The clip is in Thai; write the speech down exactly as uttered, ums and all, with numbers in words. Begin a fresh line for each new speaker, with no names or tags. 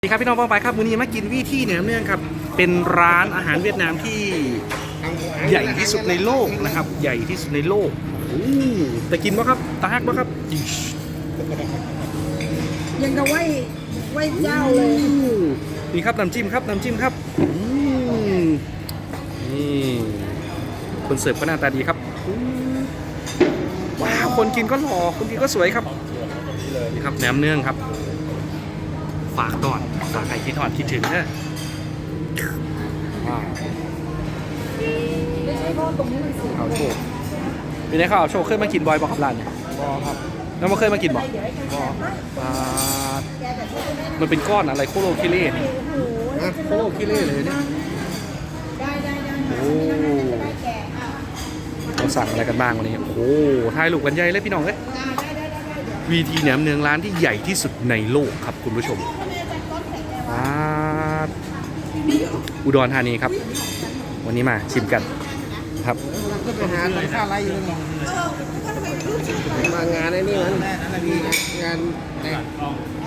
สวัสดีครับพี่น้องป้องไปครับมื้อนี้มากินวี่ที่เหนือเนื่องครับเป็นร้านอาหารเวียดนามที่ใหญ่ที่สุดในโลกนะครับใหญ่ที่สุดในโลกโอ้แต่กินป่ะครับตาฮักป่ะครับ
ยังกับไหวไหวเจ้าเลย
นี่ครับน้ำจิ้มครับน้ำจิ้มครับอืมนี่คนเสิร์ฟก็หน้าตาดีครับว้าวคนกินก็หล่อคนกินก็สวยครับนี่ครับแหนมเนืองครับฝากก่อนฝากใครคิดถอดคิดถึงนะว้าว
ไม่ใช่เพราะตรงนี้มันสี
เอาโชว์เป็นไงครับเอาโชว์เคยมากินบอยบอกกับร้านเนี่ย
บอครับ
แล้วมาเคยมากินบอก
เดี๋ยวให้แก
บอ
อ่า
แกแบบนี้จะได้
มันเป็นก้อนอะไรโคโลคิเล่นี่
โอ้โห
โคโลคิเล่เลยเนี่ย
ได้ได้ได้
โอ้
ได้แกอ่ะ
เราสั่งอะไรกันบ้างวันนี้โอ้โหถ่ายรูปกันใหญ่เลยพี่น้องเอ้ย
ได้ได้ได้ได้เดี๋ยว
วีทีแหนมเนืองร้านที่ใหญ่ที่สุดในโลกครับคุณผู้ชมอ่าอุดรธานีครับ วันนี้มาชิมกันครับ
ก็ไปหาแต่ค่าไรอยู่นั่นมางานไอ้นี่มันงานแต่ง